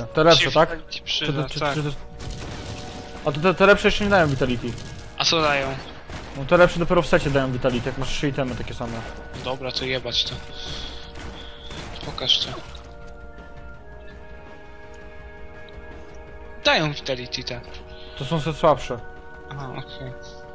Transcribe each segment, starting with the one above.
Te lepsze, tak? Ci przyda, tak. A te lepsze jeszcze nie dają Vitality. A co dają? No te lepsze dopiero w secie dają Vitality, jak masz 3 itemy takie same. Dobra, to jebać to. Pokaż to. Dają Vitality te. To są te słabsze. Aha, okej.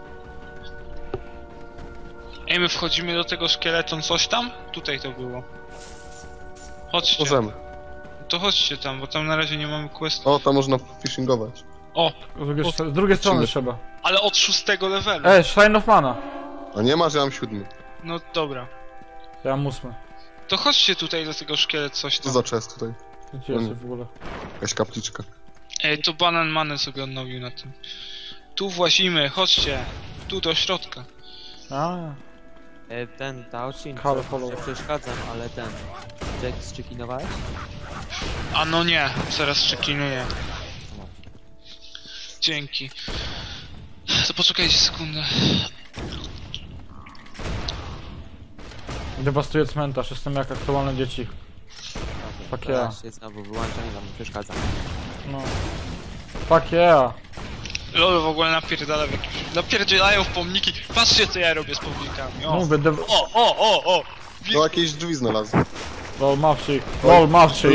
Ej, my wchodzimy do tego szkieleton coś tam? Tutaj to było. Chodźcie. Możemy. To chodźcie tam, bo tam na razie nie mamy questu. O, tam można fishingować. O, Z drugiej strony trzeba. ale od 6 levelu. Shrine of Mana. A nie masz, ja mam 7. No dobra. Ja mam 8. To chodźcie tutaj do tego szkielet coś Co tam. za chest tutaj? Gdzie jest w ogóle? Jakaś kapliczka. Ej, to Banan Manę sobie odnowił na tym. Tu włazimy, chodźcie. Tu do środka. A, Ten Taosin, Halo, halo. nie przeszkadzam, ale ten... Jack zczekinowałeś? A no nie, zaraz czekinuję. Dzięki. To poczekajcie sekundę. dewastuję cmentarz, jestem jak aktualne dzieci. Fuck yeah. Teraz się znowu wyłączam i wam przeszkadzam. No. Fuck yeah. Lol w ogóle napierdzielają w pomniki. Patrzcie co ja robię z pomnikami. O, Mówię, o! No jakieś drzwi znalazłem. lol mawczy. Lol mawczy.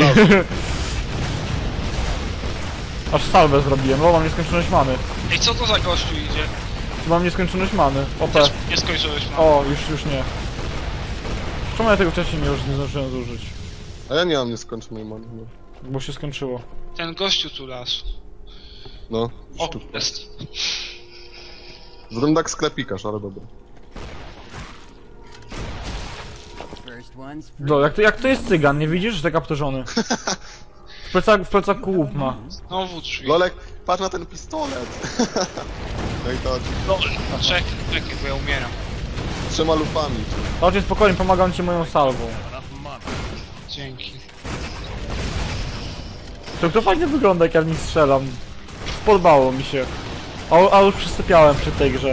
Aż salwę zrobiłem, lol mam nieskończoność many. Ej, co to za gościu idzie? Mam nieskończoność many. OP. Też nie skończyłeś, mam. O, już nie. Czemu ja tego wcześniej nie zdążyłem zużyć? A ja nie mam nieskończonej many. No. Bo się skończyło. Ten gościu tu las. No. O, jest. Zrobię tak sklepikarz, ale dobra. Jak to jest cygan, nie widzisz, że tak aptorzony? W plecaku łup ma. Znowu drzwi. Lolek, patrz na ten pistolet! No i to Lol, czekaj, bo ja umieram. 3 lufami. Chodźcie spokojnie, pomagam ci moją salwą. Dzięki. To fajnie wygląda, jak ja w nich strzelam. Podobało mi się. A już przysypiałem przy tej grze.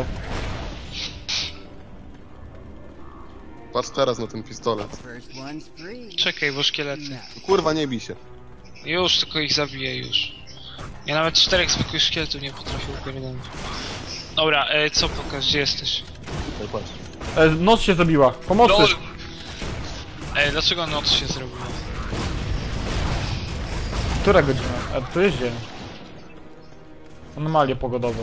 Patrz teraz na ten pistolet. Czekaj, bo szkielety. Kurwa, nie bij się. Już, tylko ich zabiję już. Ja nawet 4 zwykłych szkieletów nie potrafię upierdolić. Dobra, co pokaż, gdzie jesteś? Tutaj patrz. Noc się zabiła. Pomocy! LOL! Dlaczego noc się zrobiła? Która godzina? To jest dzień. Anomalie pogodowe.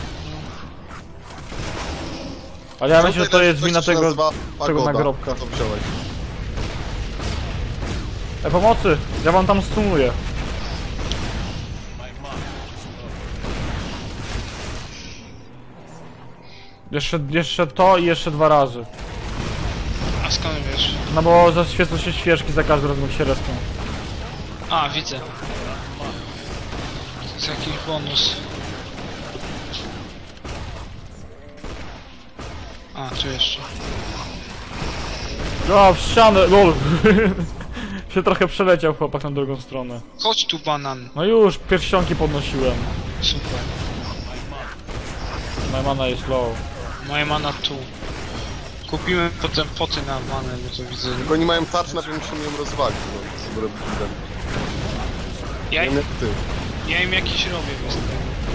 Ale ja myślę, że to jest wina tego nagrobka. Co wziąłeś? Pomocy! Ja wam tam stunuję. Jeszcze to i jeszcze 2 razy. A skąd wiesz? No bo zaświecą się świeżki za każdym razem jak się respią. A, widzę. To jest jakiś bonus. A, tu jeszcze. O, w ścianę! LOL! się trochę przeleciał chłopak na drugą stronę. Chodź tu, Banan. No już, pierścionki podnosiłem. Super. Moja mana jest low. Moja mana tu. Kupimy potem poty na manę, bo to widzę. Tylko oni mają tarcz, na tym musimy ją rozwalić. No, Ja nie wiem im, jak ty. ja im jakiś robię bez tego.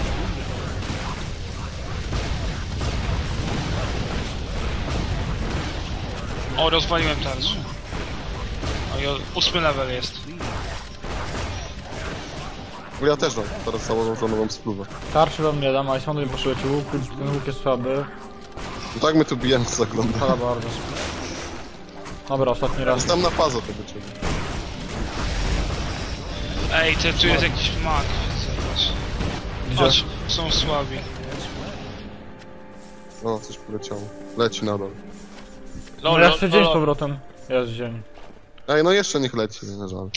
O, rozwaliłem tarczę. O, i 8 level jest. Ja też mam teraz założoną nową spluwę. Tarczy wam nie dam, a Icemandu mi potrzebujecie łuk, ten łuk jest słaby. No tak my tu bijemy, co zagląda. Ale bardzo. Dobra, ostatni raz. Jest tam na fazę tego ciebie. Ej, tu jest jakiś mag, zobacz. Gdzie? Chodź, są słabi. O, coś poleciało. Leci nadal. No jeszcze dzień z powrotem. Jest dzień. Ej, no jeszcze niech leci, nie żal.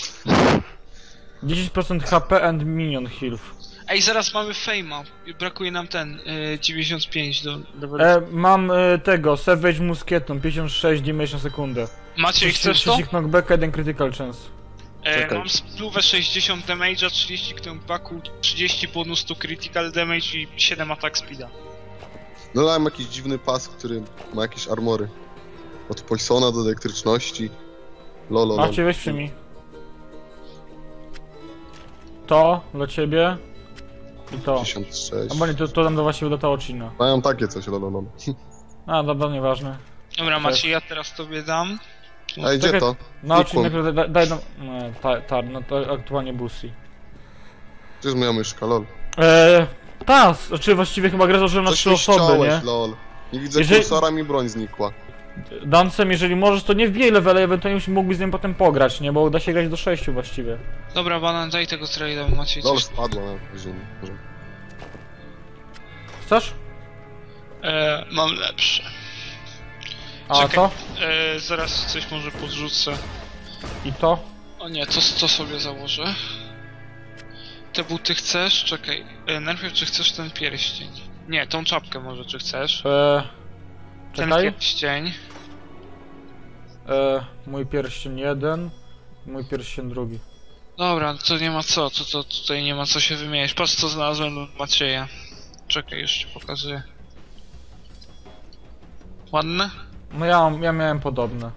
10% HP and minion health. Ej, zaraz mamy fame'a. Brakuje nam ten 95 do Mam tego, Savage Muskieton, 56 damage na sekundę. Macie, chcesz to? 30 knockback, 1 critical chance. Mam spluwę 60 damage'a, 30 knockbacku, 30 bonus to critical damage i 7 attack speeda. No dałem jakiś dziwny pas, który ma jakieś armory. Od Poisona do elektryczności. Lolo. Macie, weźcie mi. to dla ciebie i to. 56. A bo nie, to dam do właściwie do Taochina. Mają takie coś, lolo. A, dobra, nieważne. Dobra, Maciej, ja teraz tobie dam. A gdzie to? Naochin Ikon. najpierw daj nam... No to aktualnie Busi. Gdzie jest moja myszka, lol? Znaczy właściwie chyba gra założyłem na Coś 3 mi osoby, ściąłeś, nie? lol. Nie widzę Jeżeli- kursora, mi broń znikła. Dancem, jeżeli możesz, to nie wbijaj levele, ewentualnie mógłbyś z nim potem pograć, nie? Bo da się grać do 6 właściwie. Dobra, Banan, daj tego trade'a, bo Maciej Lol coś... spadła na ziemię. Może. Chcesz? Mam lepsze. A Czekaj. to? Zaraz coś może podrzucę. I to? O nie, to sobie założę. Te buty chcesz? Czekaj. Najpierw czy chcesz ten pierścień? Nie, tą czapkę może czy chcesz? Ten Czekaj. pierścień. Mój pierścień 1, mój pierścień 2. Dobra, to nie ma co, to tutaj nie ma co się wymieniać. Patrz co znalazłem u Macieja. Czekaj, już ci pokazuję. Ładne? No ja miałem podobne.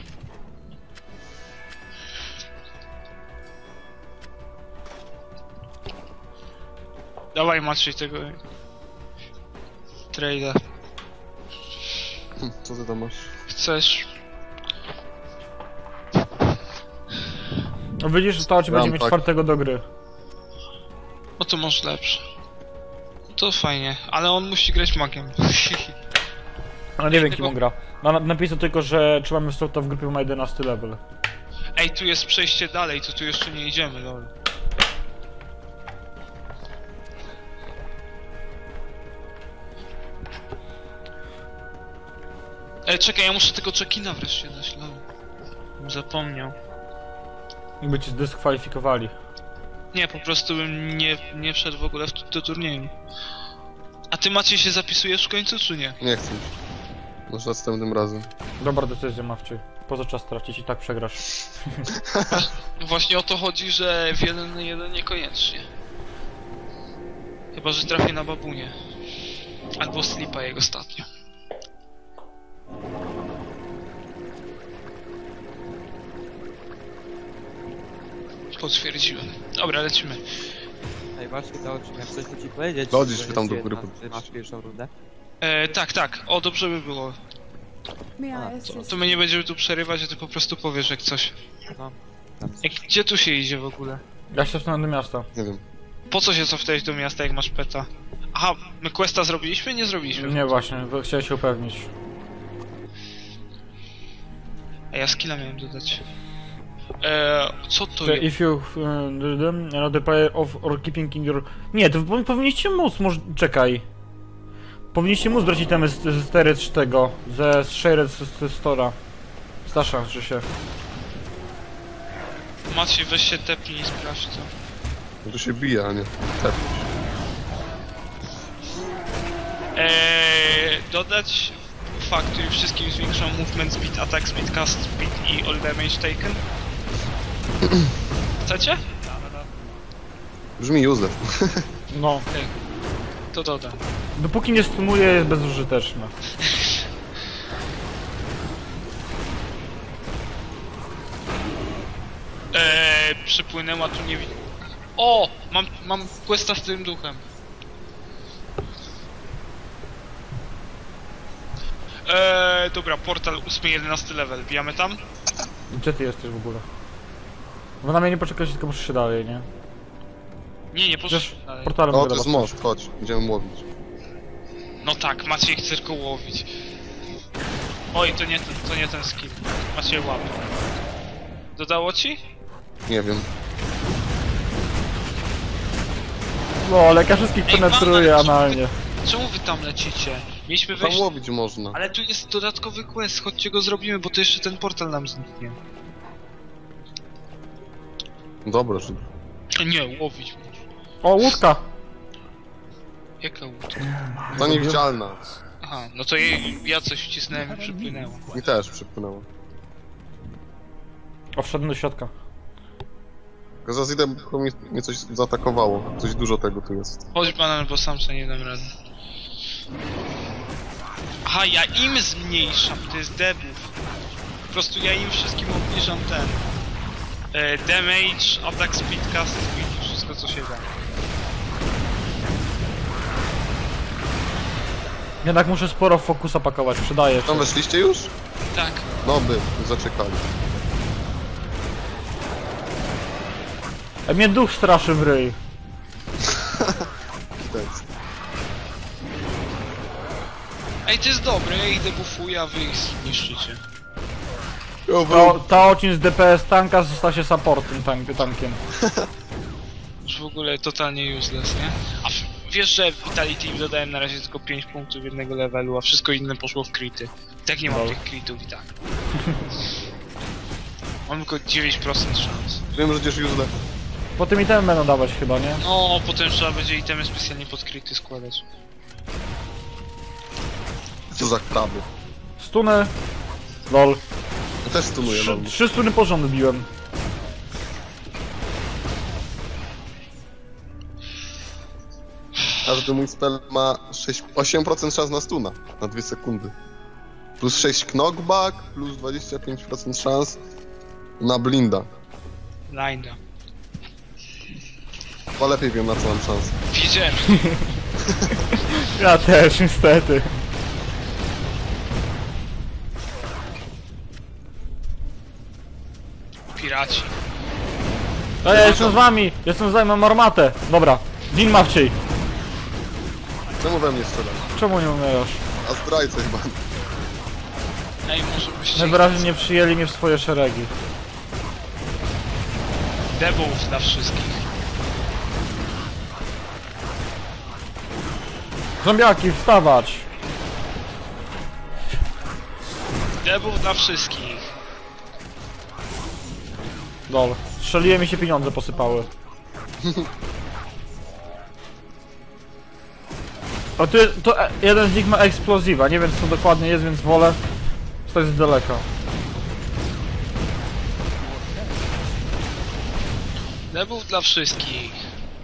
Dawaj Maciej tego... trade'a. Co ty tam masz? Chcesz? No widzisz, że Taochi będzie Mam mieć tak. 4 do gry. O to masz lepsze. To fajnie, ale on musi grać magiem. Ale nie wiem Tego- kim on gra. Napisał tylko, że trzymamy w grupie ma 11 level. Ej, tu jest przejście dalej, to tu jeszcze nie idziemy, lol. Ej, czekaj, ja muszę tego check-ina wreszcie dać, lol. Zapomniał. Jakby cię zdyskwalifikowali. Nie, po prostu bym nie wszedł w ogóle do turnieju. A ty Maciej się zapisujesz w końcu, czy nie? Nie chcę. Może następnym razem. Dobra decyzja, Mawcie. Poza czas tracić i tak przegrasz. Właśnie o to chodzi, że w 1 na 1 niekoniecznie. Chyba, że trafię na babunię. Albo Slipa jak ostatnio. Potwierdziłem. Dobra, lecimy. Ej, właśnie to jak coś tu ci powiedzieć. Lodzisz że się tam jest do góry jedna, podnieść. Ty masz pierwszą rundę? Tak. O, dobrze by było. May I A, assist? To my nie będziemy tu przerywać, a ty po prostu powiesz jak coś. No. Tam. Gdzie tu się idzie w ogóle? Ja się wstanę do miasta. Nie wiem. Po co się cofnąłeś do miasta, jak masz peta? Aha, my questa zrobiliśmy? Nie zrobiliśmy. Nie właśnie, bo chciałem się upewnić. A ja skilla miałem dodać. Co to Że jest? if you know the player of or keeping in your... Nie, to powinniście móc, może... Czekaj. Powinniście móc brać itemy z Teryt tego, ze Shared z Stora. Stasza, że się... Maciej, weź się tepnij i sprawdź to. No tu się bije, a nie. Tak. Dodać fakt, który wszystkim zwiększał movement speed, attack speed, cast speed i all damage taken? Chcecie? Brzmi Józef. No. To dodam. Dopóki nie stunuje, jest bezużyteczne. Przypłynęła tu nie widzę. O! Mam questa z tym duchem. Dobra, portal 8-11 level, bijamy tam? Gdzie ty jesteś w ogóle? Bo na mnie nie poczekać, tylko muszę się dalej, nie? Nie Przecież poszedł dalej. portalem O, mogę to jest dostać. most, chodź. Idziemy łowić. No tak, Maciej chce tylko łowić. Oj, to nie ten skill. Maciej łapie. Dodało ci? Nie wiem. No, ale ja wszystkich Ej, penetruje Banan, analnie. Czemu wy tam lecicie? Mieliśmy Tam wejść... łowić można. Ale tu jest dodatkowy quest, chodźcie go zrobimy, bo to jeszcze ten portal nam zniknie. Dobra, że... Nie, łowić. O, łódka! Jaka łódka? Ta niewidzialna. Aha, no to ja coś wcisnąłem i przypłynęło. Mi też przypłynęła. O, wszedłem do środka. Tylko zaraz idę, bo mnie coś zaatakowało. Coś dużo tego tu jest. Chodź Banan, bo sam sobie nie dam rady. Aha, ja im zmniejszam, to jest debuff. Po prostu ja im wszystkim obniżam ten... damage, attack speed, cast speed, wszystko co się da. Jednak muszę sporo fokusa pakować, przydaje się. Tam weszliście już? Tak. No by, zaczekali. Mnie duch straszy w ryj. Thanks. Ej, to jest dobre, ja ich debuffuję, a wy ich zniszczycie. Taocin z DPS tanka został się supportem tankiem. Już w ogóle totalnie useless, nie? A wiesz, że w Vitality im dodałem na razie tylko 5 punktów jednego levelu, a wszystko inne poszło w crity. I tak nie mam tych critów i tak. Mam tylko 9% szans. Wiem, że gdzieś już źle. Po tym item będą dawać chyba, nie? No, potem trzeba będzie itemy specjalnie pod crity składać. Co za kraby. Stuny. Lol. Ja też stunuję, no. 3 stuny porząd biłem. Każdy mój spell ma 8% szans na stuna. Na 2 sekundy. Plus 6 knockback, plus 25% szans na blinda. Linda. Chyba lepiej wiem, na co mam szansę. Widziałem. Ja też, niestety. Piraci. A ja jestem z wami, mam armatę. Dobra, Din ma wciej. Czemu we mnie strzelasz? Czemu nie umierasz? A zdrajcę chyba. Ej, może byście... Najwyraźniej nie przyjęli mnie w swoje szeregi. Debuff dla wszystkich. Zombiaki, wstawać! Debuff dla wszystkich. Lol. Strzeliłem i się pieniądze posypały. O, jeden z nich ma eksplozywa, nie wiem co dokładnie jest, więc wolę stać z daleka. Debuff dla wszystkich.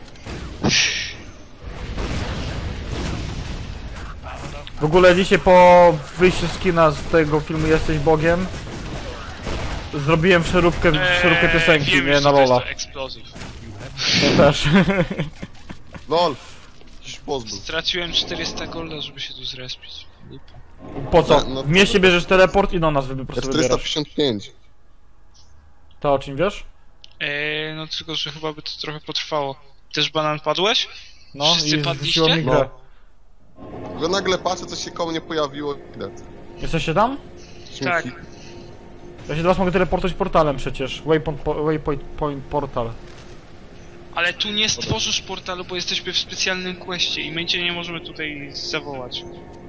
W ogóle dzisiaj po wyjściu z kina z tego filmu Jesteś Bogiem zrobiłem przeróbkę piosenki, wiem, nie że na to jest Lola. to Explosive. To też. LOL! Jakiś pozbył. Straciłem 400 golda, żeby się tu zrespić. Lipa. Po co? No, W mieście bierzesz teleport i do nas po prostu wybierasz. 455. To o czym wiesz? No tylko, że chyba by to trochę potrwało. Też banan padłeś? No Wszyscy i padliście? zrzuciło mi grę. Tylko nagle patrzę, coś się koło mnie pojawiło i widać. Jesteście tam? Tak. Ja się teraz mogę teleportować portalem przecież. Waypoint portal. Ale tu nie stworzysz portalu, bo jesteśmy w specjalnym questie i my cię nie możemy tutaj zawołać.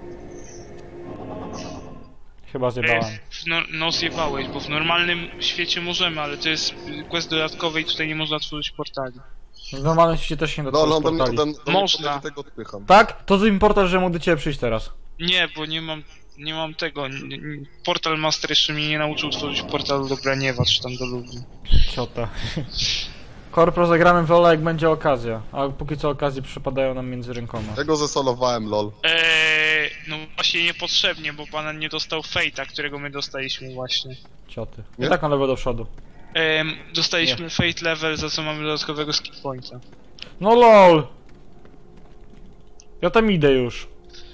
Chyba zjebałem. No zjebałeś, bo w normalnym świecie możemy, ale to jest quest dodatkowy i tutaj nie można tworzyć portali. W normalnym świecie też się nie da LOL, tworzyć on do mnie, portali. Można. tego odpycham. Tak? To zrób portal, że mógł do ciebie przyjść teraz. Nie, bo nie mam tego. Portal Master jeszcze mnie nie nauczył tworzyć portalu do Braniewa, czy tam do ludzi. Ciota. Korpro zagramy w Lola jak będzie okazja, a póki co okazje przypadają nam między rękoma. Ja go zesolowałem, LOL. No właśnie niepotrzebnie, bo banan nie dostał Fate'a, którego my dostaliśmy właśnie. Cioty. Nie? I tak na lewo do przodu. Dostaliśmy Fate level, za co mamy dodatkowego skill pointa. No lol! Ja tam idę już.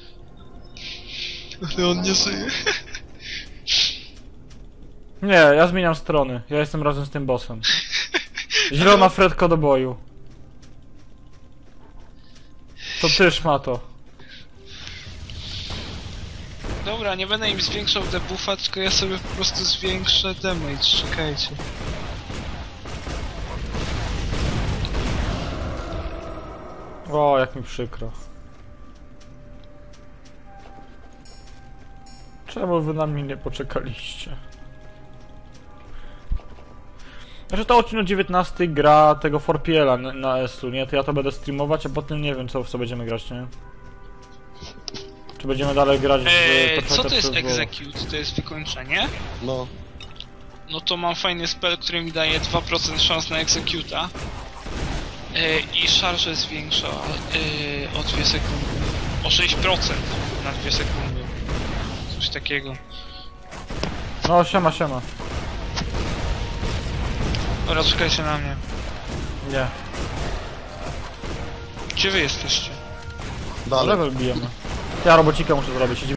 Ale on nie żyje. Nie, ja zmieniam strony. Ja jestem razem z tym bossem. Zielona Fredko do boju. To ty, szmato. Dobra, nie będę im zwiększał debuffa, tylko ja sobie po prostu zwiększę damage, czekajcie. O, jak mi przykro. Czemu wy na mnie nie poczekaliście? Znaczy to odcinek 19 gra tego 4PL-a na ESU, nie? To ja to będę streamować, a potem nie wiem co będziemy grać, nie? Czy będziemy dalej grać w co to jest przez execute? To jest wykończenie? No. No to mam fajny spell, który mi daje 2% szans na executa. I szarże zwiększa o 2 sekundy. O 6% na 2 sekundy. Coś takiego. No, siema, siema. Dobra, czekajcie na mnie. Nie. Gdzie wy jesteście? Na Dalej. level bijemy. Ja robocika muszę zrobić.